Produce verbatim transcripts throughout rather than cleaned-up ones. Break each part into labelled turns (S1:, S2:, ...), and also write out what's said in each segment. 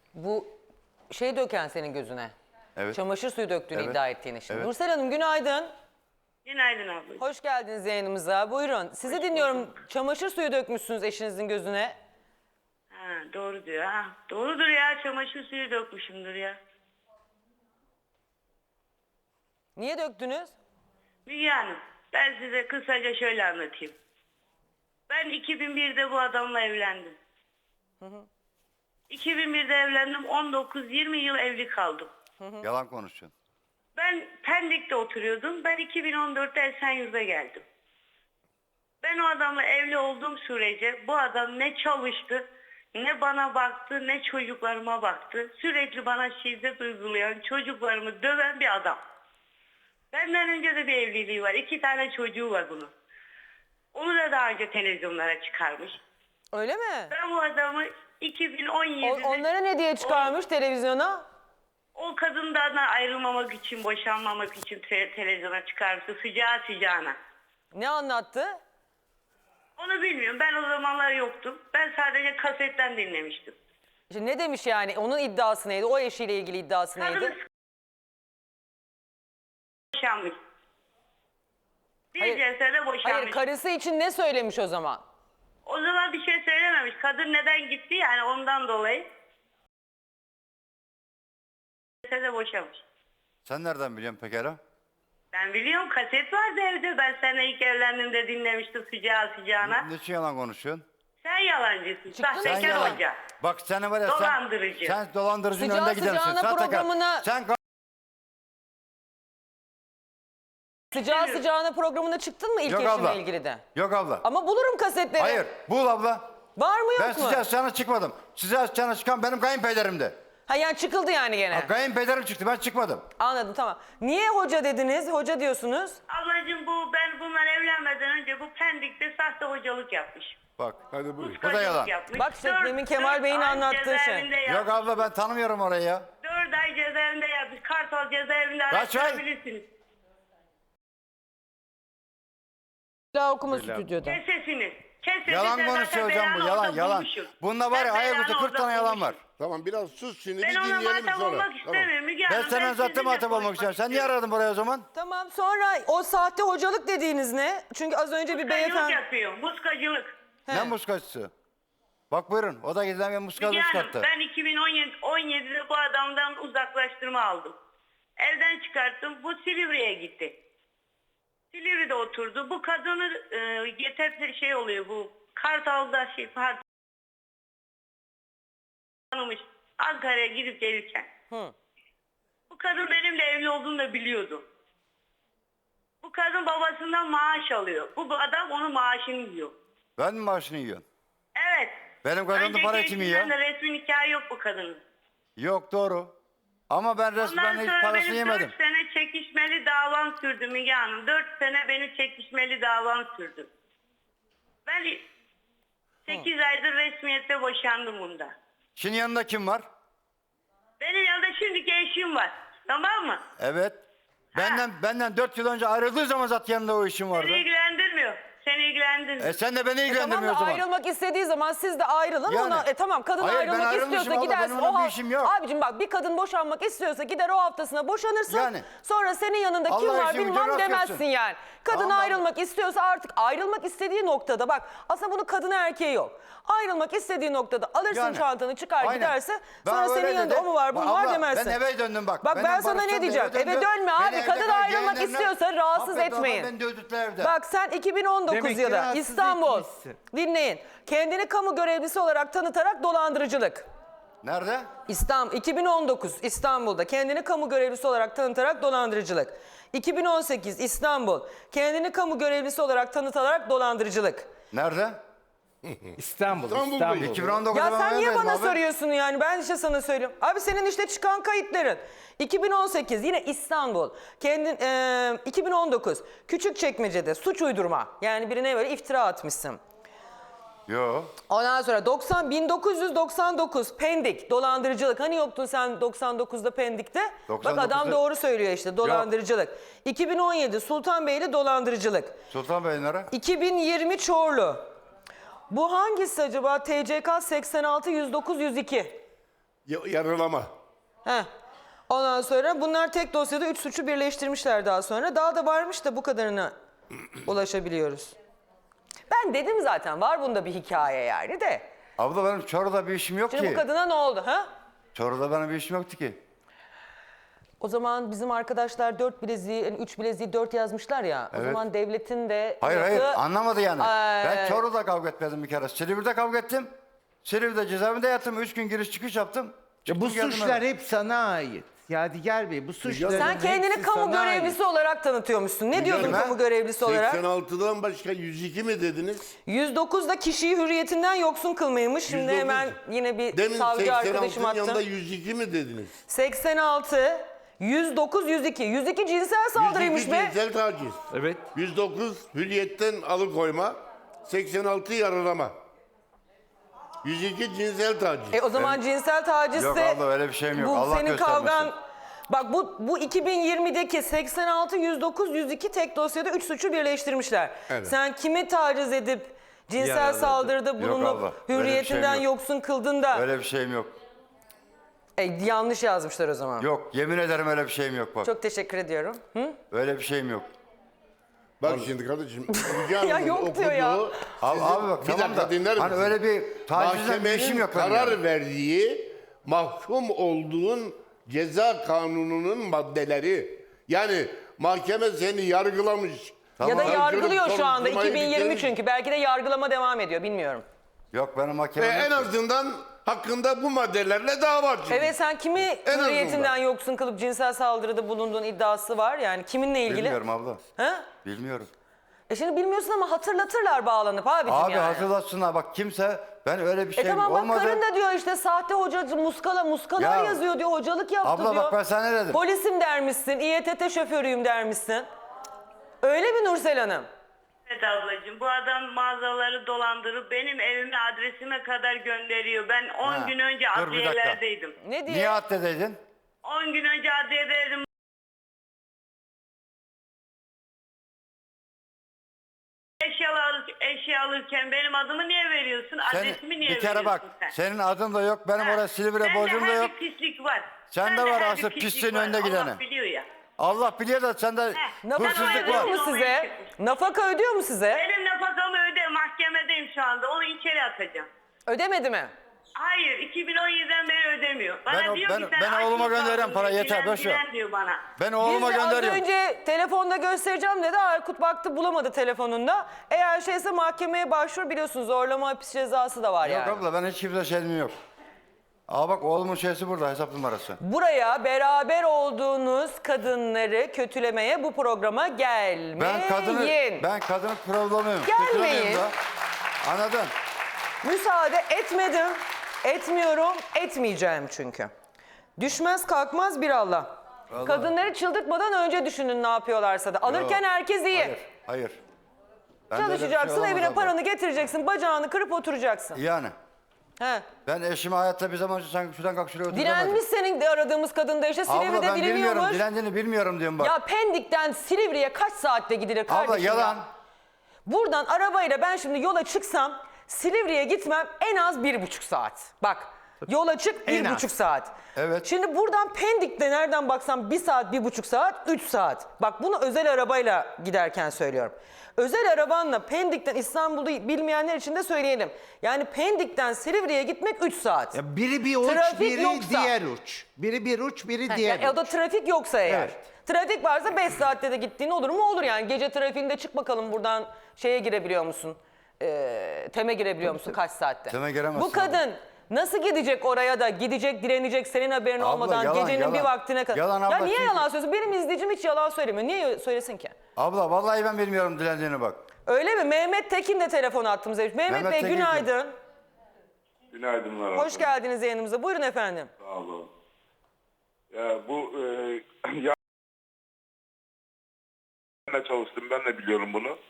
S1: Bu şey döken senin gözüne.
S2: Evet.
S1: Çamaşır suyu döktüğünü
S2: Evet.
S1: iddia ettiğini şimdi.
S2: Evet.
S1: Nursel Hanım günaydın.
S3: Günaydın abla.
S1: Hoş geldiniz yayınımıza. Buyurun. Sizi
S3: Hoş
S1: dinliyorum.
S3: bulduk.
S1: Çamaşır suyu dökmüşsünüz eşinizin gözüne.
S3: Ha, doğru diyor. Ha, doğrudur ya, çamaşır suyu dökmüşümdür ya.
S1: Niye döktünüz?
S3: Müge Hanım, ben size kısaca şöyle anlatayım. Ben iki bin birde bu adamla evlendim.
S1: Hı hı.
S3: iki bin birde evlendim, on dokuz yirmi yıl evli kaldım.
S2: Yalan konuşuyorsun.
S3: Ben Pendik'te oturuyordum. Ben iki bin on dörtte Esenyurt'a geldim. Ben o adamla evli olduğum sürece bu adam ne çalıştı, ne bana baktı, ne çocuklarıma baktı. Sürekli bana şiddet uygulayan, çocuklarımı döven bir adam. Benden önce de bir evliliği var. İki tane çocuğu var bunun. Onu da daha önce televizyonlara çıkarmış.
S1: Öyle mi?
S3: Ben bu adamı iki bin on yedide...
S1: O, onlara ne diye çıkarmış
S3: o,
S1: televizyona?
S3: O kadından ayrılmamak için, boşanmamak için te- televizyona çıkarmıştı. Sıcağı sıcağına.
S1: Ne anlattı?
S3: Onu bilmiyorum. Ben o zamanlar yoktum. Ben sadece kasetten dinlemiştim.
S1: İşte ne demiş yani? Onun iddiası neydi? O eşiyle ilgili iddiası neydi?
S3: Kadın boşanmış. Bir
S1: Hayır.
S3: celsede boşanmış.
S1: Hayır, karısı için ne söylemiş o zaman?
S3: O zaman bir şey söylememiş. Kadın neden gitti, yani ondan dolayı. Celsede boşanmış.
S2: Sen nereden biliyorsun pekala?
S3: Ben biliyorum, kaset vardı evde. Ben seninle ilk evlendiğimde dinlemiştim sıcağı sıcağına.
S2: Ne için yalan konuşuyorsun?
S3: Sen yalancısın.
S1: Çıktın
S2: Sen
S3: Sahtekar
S2: yalan.
S3: hoca.
S2: Bak sen var ya sen...
S3: Dolandırıcı.
S2: Sen dolandırıcının
S1: Sıcağı
S2: önde gidersin.
S1: sıcağına
S2: Sahtekar.
S1: programına-
S2: Sen
S1: Sıcağı sıcağına programına çıktın mı ilk
S2: Yok
S1: eşinle
S2: abla.
S1: ilgili de?
S2: Yok abla.
S1: Ama bulurum kasetleri.
S2: Hayır. Bul abla.
S1: Var mı yok
S2: Ben
S1: mu?
S2: sıcağı sıcağına çıkmadım. Sıcağı sıcağına çıkan benim kayınpederimdi.
S1: Ha yani çıkıldı yani gene.
S2: Ha, kayınpederim çıktı, ben çıkmadım.
S1: Anladım, tamam. Niye hoca dediniz? Hoca diyorsunuz.
S3: Ablacığım, bu ben bunlar evlenmeden önce bu Pendik'te sahte hocalık yapmış.
S2: Bak.
S4: Hadi buyur.
S2: O da yalan.
S3: Yapmış.
S1: Bak işte
S3: Dört-
S1: demin Kemal
S3: dört
S1: Bey'in
S3: ay
S1: anlattığı şey.
S3: cezaevinde
S2: Yok
S3: yapmış.
S2: abla, ben tanımıyorum orayı ya.
S3: Dört ay cezaevinde yapmış. Kartal cezaevinde
S2: Kaç ay?
S3: araştırabilirsiniz.
S1: Daha okuma stüdyoda.
S3: Kes sesini. Kes sesini.
S2: Yalan
S3: Sen
S2: konuşuyor
S3: zaten
S2: hocam bu,
S3: belanı
S2: yalan
S3: orada
S2: yalan.
S3: bulmuşsun.
S2: Bunda var ya
S3: Sen
S2: ayaküstü
S3: belanı
S2: kırk tane
S3: orada
S2: yalan var.
S3: bulmuşsun.
S4: Tamam, biraz sus şimdi,
S3: Ben
S4: bir
S3: ona
S4: dinleyelim
S3: muhatap
S4: sonra.
S3: olmak
S4: Tamam.
S3: istemiyorum Müge
S2: Ben
S3: Hanım.
S2: senden zaten
S3: sizinle
S2: muhatap olmak
S3: konuşmak
S2: istiyorum. Sen niye
S3: istiyorum.
S2: aradın buraya o zaman?
S1: Tamam, sonra o sahte hocalık dediğiniz ne? Çünkü az önce bir
S3: Muskacılık
S1: beyefendi...
S3: yapıyor. Muskacılık.
S1: He.
S2: Ne muskacısı? Bak buyurun, o da gizlen ve muskalı
S3: Müge Hanım,
S2: çıkarttı.
S3: ben iki bin on yedi, on yedide bu adamdan uzaklaştırma aldım. Evden çıkarttım. Bu Silivri'ye gitti. Silivri'de oturdu. Bu kadını e, getirdi, şey oluyor bu. Kartal'da şey pardon. Tanımış. Ankara'ya gidip gelirken.
S1: Hı.
S3: Bu kadın benimle evli olduğunu da biliyordu. Bu kadın babasından maaş alıyor. Bu adam onun maaşını yiyor.
S2: Ben mi maaşını yiyorsun?
S3: Evet.
S2: Benim kazandığım para kim yiyor?
S3: eşinden de resmi nikahı yok bu kadının.
S2: Yok, doğru. Ama ben
S3: Ondan
S2: resmen hiç
S3: sonra
S2: parasını
S3: benim
S2: yemedim.
S3: dört sene çekişmeli davam sürdü Müge Hanım. Dört sene beni çekişmeli davam sürdü. Ben sekiz aydır resmiyette boşandım bunda.
S2: Şimdi yanında kim var?
S3: Benim yanında şimdiki eşim var. Tamam mı?
S2: Evet. Benden benden dört yıl önce ayrıldığı zaman zaten yanında o işim vardı.
S3: Seni ilgilendirmiyor. Seni ilgilendirmiyor.
S2: E sen de beni
S1: E tamam
S2: ilgilendirmiyor
S1: da
S2: o zaman.
S1: ayrılmak istediği zaman siz de ayrılın.
S2: Yani.
S1: Ona, e tamam, kadın
S2: Hayır, ben
S1: ayrılmak
S2: ayrılmışım
S1: istiyorsa
S2: abla,
S1: gidersin.
S2: benim onunla
S1: O
S2: bir
S1: ha-
S2: işim yok.
S1: Abicim bak, bir kadın boşanmak istiyorsa gider o haftasına boşanırsın.
S2: Yani.
S1: Sonra senin yanında kim
S2: Allah
S1: var
S2: işini
S1: bilmem
S2: rast
S1: demezsin
S2: etsin.
S1: yani. Kadın
S2: Tamam, ben-
S1: ayrılmak istiyorsa artık ayrılmak istediği noktada bak, aslında bunun kadını erkeği yok. Ayrılmak istediği noktada alırsın
S2: Yani.
S1: çantanı, çıkar
S2: Aynen.
S1: giderse,
S2: Ben
S1: sonra
S2: öyle
S1: senin yanında
S2: dedim.
S1: o mu var bu mu
S2: Bak
S1: var
S2: abla,
S1: demezsin.
S2: ben eve döndüm bak.
S1: Bak
S2: Benim
S1: ben sana
S2: barıştığım
S1: ne
S2: da
S1: diyeceğim.
S2: eve
S1: Eve
S2: döndü.
S1: dönme
S2: Beni
S1: abi.
S2: evde
S1: Kadın
S2: kal,
S1: ayrılmak
S2: yeğenlerimle-
S1: istiyorsa rahatsız
S2: Affet abla,
S1: etmeyin.
S2: beni dövdüler evde.
S1: Bak sen iki bin on dokuz
S5: Demek ki
S1: yılı
S5: rahatsız
S1: İstanbul,
S5: etmişsin.
S1: dinleyin, kendini kamu görevlisi olarak tanıtarak dolandırıcılık.
S2: Nerede?
S1: İstanbul, iki bin on dokuz İstanbul'da kendini kamu görevlisi olarak tanıtarak dolandırıcılık. iki bin on sekiz İstanbul, kendini kamu görevlisi olarak tanıtarak dolandırıcılık.
S2: Nerede?
S5: İstanbul,
S4: İstanbul
S5: İstanbul.
S4: Bey.
S2: iki bin on dokuzda
S1: Ya
S2: ben
S1: sen niye
S2: evdeydim
S1: bana
S2: abi.
S1: soruyorsun yani? Ben işte sana söylüyorum. Abi senin işte çıkan kayıtların. iki bin on sekiz yine İstanbul. Kendin, e, iki bin on dokuz Küçükçekmece'de suç uydurma. Yani birine böyle iftira atmışsın.
S2: Yo.
S1: Ondan sonra doksan bin dokuz yüz doksan dokuz Pendik dolandırıcılık. Hani yoktun sen doksan dokuzda Pendik'te? Bak adam
S2: doksan dokuzda
S1: doğru söylüyor işte, dolandırıcılık. iki bin on yedi Sultanbeyli dolandırıcılık.
S2: Sultan Bey nere?
S1: iki bin yirmi Çorlu. Bu hangisi acaba? T C K seksen altı yüz dokuz yüz iki.
S4: Ya- yaralama.
S1: Heh. Ondan sonra bunlar tek dosyada üç suçu birleştirmişler daha sonra. Daha da varmış da bu kadarına ulaşabiliyoruz. Ben dedim zaten var bunda bir hikaye yani de.
S2: Abla benim Çorlu'da bir işim yok
S1: Şimdi
S2: ki.
S1: bu kadına ne oldu ha?
S2: Çorlu'da benim bir işim yoktu ki.
S1: O zaman bizim arkadaşlar dört bileziği, yani üç bileziği dört yazmışlar ya. O
S2: Evet.
S1: zaman devletin de
S2: Hayır hayır
S1: yapı-
S2: anlamadı yani.
S1: Ee,
S2: Ben Çorlu'da kavga etmedim bir kere. Silivri'de kavga ettim. Silivri'de cezaevinde yattım. Üç gün giriş çıkış yaptım.
S5: Ya bu
S2: Çıktım geldim
S5: suçlar
S2: eve.
S5: hep sana ait. Yadigar Bey bu suçların
S1: Sen kendini
S5: hepsi
S1: kamu
S5: sana
S1: görevlisi olarak tanıtıyormuşsun. Ne diyordun
S2: ben
S1: kamu görevlisi olarak?
S4: seksen altıdan başka yüz iki mi dediniz?
S1: yüz dokuz da kişiyi hürriyetinden yoksun kılmaymış. Şimdi
S4: yüz dokuz.
S1: hemen yine bir
S4: Demin
S1: savcı arkadaşım
S4: seksen altının yanında
S1: attı.
S4: yüz iki mi dediniz?
S1: seksen altı, yüz dokuz, yüz iki. yüz iki cinsel saldırıymış
S4: yüz iki
S1: be.
S4: cinsel taciz.
S5: Evet.
S4: yüz dokuz hürriyetten alıkoyma. seksen altı yaralama. yüz iki cinsel taciz.
S1: E o zaman cinsel tacizse...
S2: Yok abla, öyle bir şeyim yok.
S1: Bu
S2: Allah
S1: senin
S2: göstermesin.
S1: kavgan... Bak bu, bu iki bin yirmideki seksen altı, yüz dokuz, yüz iki tek dosyada üç suçu birleştirmişler.
S4: Evet.
S1: Sen kimi taciz edip cinsel
S5: Yaraladın.
S1: saldırıda
S2: Yok
S1: bulunup
S2: abla, öyle bir
S1: hürriyetinden
S2: şeyim yok.
S1: yoksun kıldın da...
S2: Öyle bir şeyim yok.
S1: E, yanlış yazmışlar o zaman.
S2: Yok yemin ederim öyle bir şeyim yok bak.
S1: Çok teşekkür ediyorum. Hı?
S2: Öyle bir şeyim yok.
S4: Bak şimdi kardeşim. Müge
S1: Ya
S4: Hanım'ın
S1: yok diyor ya.
S4: okuduğu-
S2: Abi,
S4: Sizin-
S2: abi bak
S4: bir
S2: tamam
S4: dakika
S2: da
S4: dinler
S2: hani
S4: misin?
S2: öyle bir tacizden bir işim
S4: Mahkemenin
S2: yok benim
S4: karar
S2: yani.
S4: verdiği mahkum olduğun ceza kanununun maddeleri. Yani mahkeme seni yargılamış.
S1: Ya da
S4: Savcılık
S1: yargılıyor şu anda
S4: soruşturmayı
S1: iki bin yirmi
S4: bitirmiş.
S1: çünkü. Belki de yargılama devam ediyor bilmiyorum.
S2: Yok benim
S4: Ve
S2: mahkemem
S4: en
S2: yok ki.
S4: azından hakkında bu maddelerle dava açılmış.
S1: Evet sen kimi
S4: En
S1: hürriyetinden
S4: azından.
S1: yoksun kılıp cinsel saldırıda bulunduğun iddiası var. Yani kiminle ilgili?
S2: Bilmiyorum abla.
S1: Ha?
S2: Bilmiyorum.
S1: E şimdi bilmiyorsun ama hatırlatırlar bağlanıp abicim
S2: Abi
S1: yani.
S2: hatırlatsınlar bak kimse ben öyle bir
S1: E
S2: şey
S1: tamam bak
S2: olmadı.
S1: karın da diyor işte sahte hocacı muskala muskalar
S2: Ya,
S1: yazıyor diyor hocalık yaptı
S2: abla
S1: diyor.
S2: bak ben sana ne dedim?
S1: Polisim dermişsin, İ E T T şoförüyüm dermişsin. Öyle mi Nursel Hanım?
S3: Evet ablacığım, bu adam mağazaları dolandırıp benim evime adresime kadar gönderiyor. Ben on
S2: Ha,
S3: gün önce
S2: dur bir dakika.
S3: adliyelerdeydim.
S1: Ne diye?
S2: Niye addedeydin?
S3: on gün önce adliyedeydim. Eşya, alır, eşya alırken benim adımı niye veriyorsun?
S2: Sen,
S3: Adresimi niye
S2: bir kere
S3: veriyorsun
S2: bak
S3: sen?
S2: senin adın da yok benim
S3: Ha,
S2: oraya Silivri
S3: sende
S2: borcum da
S3: her
S2: yok.
S3: bir pislik var.
S2: Sende
S3: Sende
S2: var
S3: her
S2: asıl
S3: bir pislik
S2: pisliğin
S3: var.
S2: önde gideni.
S3: Allah biliyor ya.
S2: Allah biliyor da sende
S3: Heh,
S1: Nafaka
S3: Hırsızlık
S1: ödüyor
S3: var.
S1: mu size? Nafaka ödüyor mu size?
S3: Benim nafakamı öde, mahkemedeyim şu anda. Onu içeri atacağım.
S1: Ödemedi mi?
S3: Hayır, iki bin on yediden beri ödemiyor. Bana
S2: Ben o-
S3: diyor
S2: ben-
S3: ki sen
S2: ben
S3: aç
S2: oğluma
S3: mı
S2: gönderen
S3: kaldın
S2: para
S3: diyor,
S2: yeter,
S3: dilen,
S2: boş ver.
S3: dilen diyor bana.
S2: ben
S1: Biz
S2: oğluma
S1: de az
S2: gönderiyorum.
S1: önce telefonda göstereceğim dedi. Aykut baktı bulamadı telefonunda. Eğer şeyse mahkemeye başvur biliyorsunuz zorlama hapis cezası da var
S2: Yok
S1: yani.
S2: abla ben hiç kimse şeyim yok. Aa bak oğlumun şeysi burada hesap numarası.
S1: Buraya beraber olduğunuz kadınları kötülemeye bu programa gelmeyin.
S2: Ben kadını ben kadını problemim.
S1: Gelmeyin.
S2: Anladın?
S1: Müsaade etmedim, etmiyorum, etmeyeceğim çünkü. Düşmez kalkmaz bir Allah.
S2: Vallahi.
S1: Kadınları çıldırtmadan önce düşünün ne yapıyorlarsa da. Alırken
S2: Yok.
S1: herkes iyi.
S2: Hayır. Hayır. Ben de öyle bir şey
S1: Çalışacaksın,
S2: olamaz
S1: evine
S2: abla.
S1: paranı getireceksin, bacağını kırıp oturacaksın.
S2: Yani.
S1: He.
S2: Ben eşimi hayatta bir zaman sanki şuradan kalk şuraya otur
S1: Dilenmiş
S2: demedim.
S1: senin de aradığımız kadın da işte
S2: Abla
S1: Silivri'de
S2: ben bilmiyorum.
S1: dileniyormuş.
S2: Dilendiğini bilmiyorum diyorum bak.
S1: Ya Pendik'ten Silivri'ye kaç saatte gidilir kardeşim
S2: Abla yalan.
S1: ya? Buradan arabayla ben şimdi yola çıksam Silivri'ye gitmem en az bir buçuk saat. Bak yola çık
S5: En
S1: bir
S5: az.
S1: buçuk saat.
S2: Evet.
S1: Şimdi buradan Pendik'te nereden baksam bir saat, bir buçuk saat, üç saat. Bak bunu özel arabayla giderken söylüyorum. Özel arabanla Pendik'ten İstanbul'u bilmeyenler için de söyleyelim. Yani Pendik'ten Silivri'ye gitmek üç saat.
S5: Ya biri bir uç,
S1: Trafik
S5: biri
S1: yoksa.
S5: diğer uç. Biri bir uç, biri
S1: Ha,
S5: diğer
S1: yani o
S5: uç.
S1: da trafik yoksa eğer.
S5: Evet.
S1: Trafik varsa beş saatte de gittiğin olur mu? Olur yani. Gece trafiğinde çık bakalım buradan şeye girebiliyor musun? Ee, Tem'e girebiliyor musun kaç saatte?
S2: Tem'e giremezsin
S1: Bu kadın nasıl gidecek oraya da gidecek direnecek senin haberin
S2: Abla,
S1: olmadan
S2: yalan,
S1: gecenin
S2: yalan.
S1: bir vaktine kadar.
S2: Yalan
S1: ya
S2: abla,
S1: niye
S2: çünkü-
S1: yalan söylüyorsun? Benim izleyicim hiç yalan söylemiyor. Niye söylesin ki?
S2: Abla vallahi ben bilmiyorum dilendiğini bak.
S1: Öyle mi? Mehmet Tekin de telefon attığımızda. Mehmet,
S2: Mehmet
S1: Bey
S2: Tekin
S1: günaydın.
S6: Günaydınlar.
S1: Hoş
S6: abla.
S1: geldiniz yayınımıza. Buyurun efendim.
S6: Sağ olun. Ya bu e, ya ben de çalıştım. Ben de biliyorum bunu.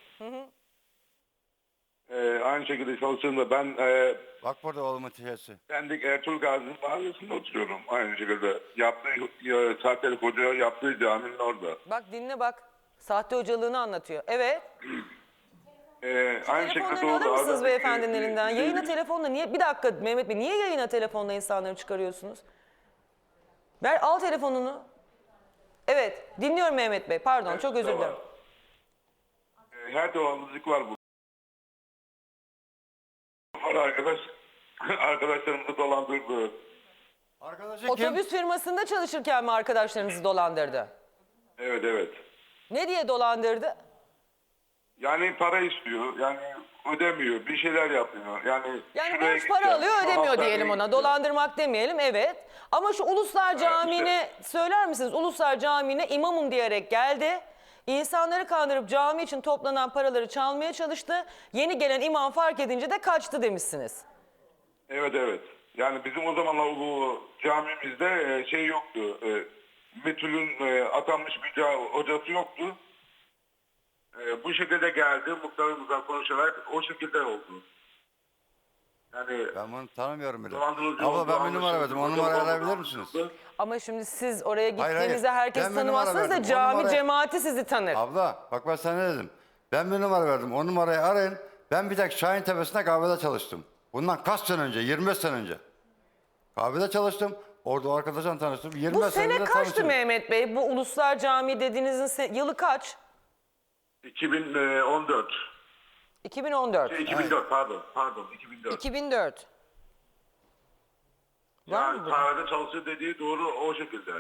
S6: E, aynı şekilde çalıştığımda ben e,
S2: Bak burada oğlumun şeysi.
S6: Pendik Ertuğrul Gazi Mahallesi'nde oturuyorum. Aynı şekilde yaptığı ya, sahtelik hoca yaptığı caminin orada.
S1: Bak dinle bak. Sahte hocalığını anlatıyor. Evet.
S6: Ee, aynı şekilde
S1: Telefonlarını alır
S6: doğru.
S1: mısınız
S6: Adam-
S1: beyefendinin
S6: Ee,
S1: elinden?
S6: e,
S1: Yayına telefonla niye? Bir dakika Mehmet Bey, niye yayına telefonla insanları çıkarıyorsunuz? Ver, al telefonunu. Evet, dinliyorum Mehmet Bey. Pardon, çok özür dilerim.
S6: e, Her dolandırıcılık var bu. Var arkadaş. Arkadaşlarımızı dolandırdı.
S2: Arkadaşı kim?
S1: Otobüs firmasında çalışırken mi arkadaşlarınızı dolandırdı?
S6: Evet evet.
S1: Ne diye dolandırdı?
S6: Yani para istiyor. Yani ödemiyor. Bir şeyler yapıyor. Yani
S1: Yani
S6: şuraya
S1: borç para
S6: gideceğim,
S1: alıyor,
S6: şu
S1: ödemiyor
S6: hastaneye
S1: diyelim ona.
S6: gideceğim.
S1: Dolandırmak demeyelim, evet. Ama şu Uluslar Camii'ne söyler misiniz? Uluslar Camii'ne imamım diyerek geldi. İnsanları kandırıp cami için toplanan paraları çalmaya çalıştı. Yeni gelen imam fark edince de kaçtı demişsiniz.
S6: Evet evet. Yani bizim o zamanlar bu camimizde e, şey yoktu. E, Betül'ün e, atanmış bir ca- hocası yoktu. E, bu şekilde geldi. Muhtarımızla konuşarak o şekilde oldu. Yani
S2: Ben bunu tanımıyorum bile.
S6: dolandırıcı
S2: Abla
S6: oldu,
S2: ben bir numara
S6: anlaşıldı.
S2: verdim. O
S6: Hoca
S2: numarayı
S6: oldu,
S2: arayabilir misiniz?
S6: anlaşıldı.
S1: Ama şimdi siz oraya
S2: Hayır,
S1: gittiğinizde
S2: hayır.
S1: herkes
S2: Ben bir numara
S1: tanımazsınız da
S2: verdim. O
S1: cami
S2: numarayı-
S1: cemaati sizi tanır.
S2: Abla bak ben sana ne dedim. Ben bir numara verdim. O numarayı arayın. Ben bir tek Şahin Tepesi'nde kahvede çalıştım. Bundan kaç sene önce? yirmi beş sene önce. Kahvede çalıştım. Orada o arkadaşla tanıştım. yirmi
S1: Bu
S2: beş sene
S1: sene
S2: önce
S1: kaçtı
S2: tanıştım.
S1: Mehmet Bey? Bu Uluslar Camii dediğinizin se- yılı kaç?
S6: iki bin on dört.
S1: iki bin on dört.
S6: Şey, iki bin dört pardon. Pardon iki bin dört.
S1: iki bin dört. Var mı
S6: Yani
S1: bu?
S6: kahvede çalışıyor dediği doğru o şekilde.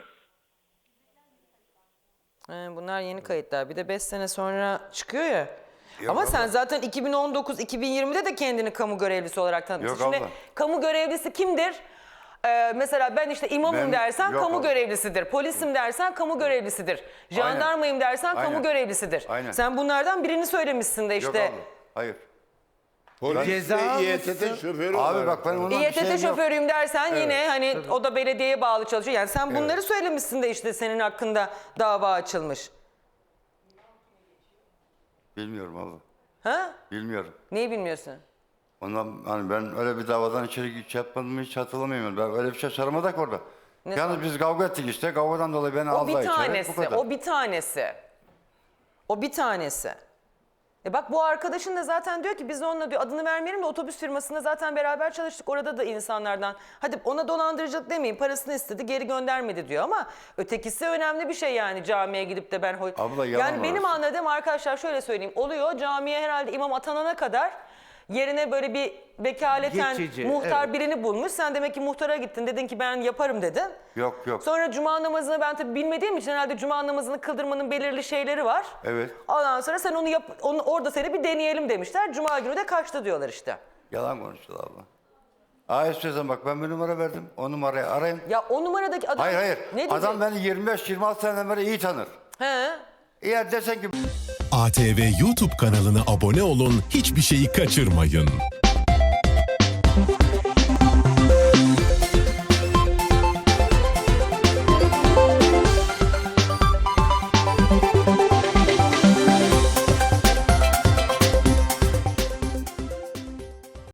S1: He, bunlar yeni kayıtlar. Bir de beş sene sonra çıkıyor ya.
S2: Yok
S1: Ama
S2: abla.
S1: sen zaten iki bin on dokuz iki bin yirmide de kendini kamu görevlisi olarak tanıtmışsın.
S2: Yok
S1: Şimdi
S2: abla.
S1: kamu görevlisi kimdir? Ee, mesela ben işte imamım
S2: Ben-
S1: dersen
S2: yok
S1: kamu
S2: abla.
S1: görevlisidir. Polisim dersen kamu görevlisidir. Jandarmayım dersen kamu
S2: Aynen.
S1: görevlisidir.
S2: Aynen.
S1: Sen bunlardan birini söylemişsin de
S2: Yok
S1: işte.
S2: abla. Hayır.
S4: Polis
S5: Ceza
S4: ve İ Y T T
S5: almışsın.
S4: şoförü
S2: Abi
S4: olarak.
S2: bak ben ondan bir
S1: İ Y T T
S2: şeyim yok.
S1: şoförüyüm dersen yine hani o da belediyeye bağlı çalışıyor. Yani sen bunları
S2: Evet.
S1: söylemişsin de işte senin hakkında dava açılmış.
S2: Bilmiyorum abla.
S1: Ha?
S2: Bilmiyorum.
S1: Neyi bilmiyorsun?
S2: Ondan hani ben öyle bir davadan içeri hiç yapmadım hiç hatırlamıyorum. Ben öyle bir şey saramadık orada.
S1: Ne
S2: Yalnız biz kavga ettik işte. Kavgadan dolayı beni
S1: O
S2: aldılar
S1: bir
S2: içeri. Bu
S1: tanesi,
S2: kadar.
S1: o bir tanesi. O bir tanesi. E bak bu arkadaşın da zaten diyor ki biz onunla diyor adını vermeyelim de otobüs firmasında zaten beraber çalıştık. Orada da insanlardan hadi ona dolandırıcılık demeyin parasını istedi geri göndermedi diyor ama ötekisi önemli bir şey yani camiye gidip de ben... hoy-
S2: Abla, yalan
S1: yani benim
S2: orası.
S1: anladığım arkadaşlar şöyle söyleyeyim oluyor camiye herhalde imam atanana kadar yerine böyle bir vekaleten
S5: Geçici,
S1: muhtar
S5: evet.
S1: birini bulmuş. Sen demek ki muhtara gittin dedin ki ben yaparım dedin.
S2: Yok yok.
S1: Sonra cuma namazını ben tabii bilmediğim için herhalde cuma namazını kıldırmanın belirli şeyleri var.
S2: Evet.
S1: Ondan sonra sen onu yap, onu orada seni bir deneyelim demişler. Cuma günü de kaçtı diyorlar işte.
S2: Yalan konuştular abla. Aa istiyorsan bak ben bir numara verdim. O numarayı arayın.
S1: Ya o numaradaki adam
S2: Hayır hayır.
S1: ne diyecek?
S2: Adam beni yirmi beş yirmi altı seneden beri iyi tanır.
S1: He?
S2: Eğer desen ki
S7: A T V YouTube kanalına abone olun, hiçbir şeyi kaçırmayın.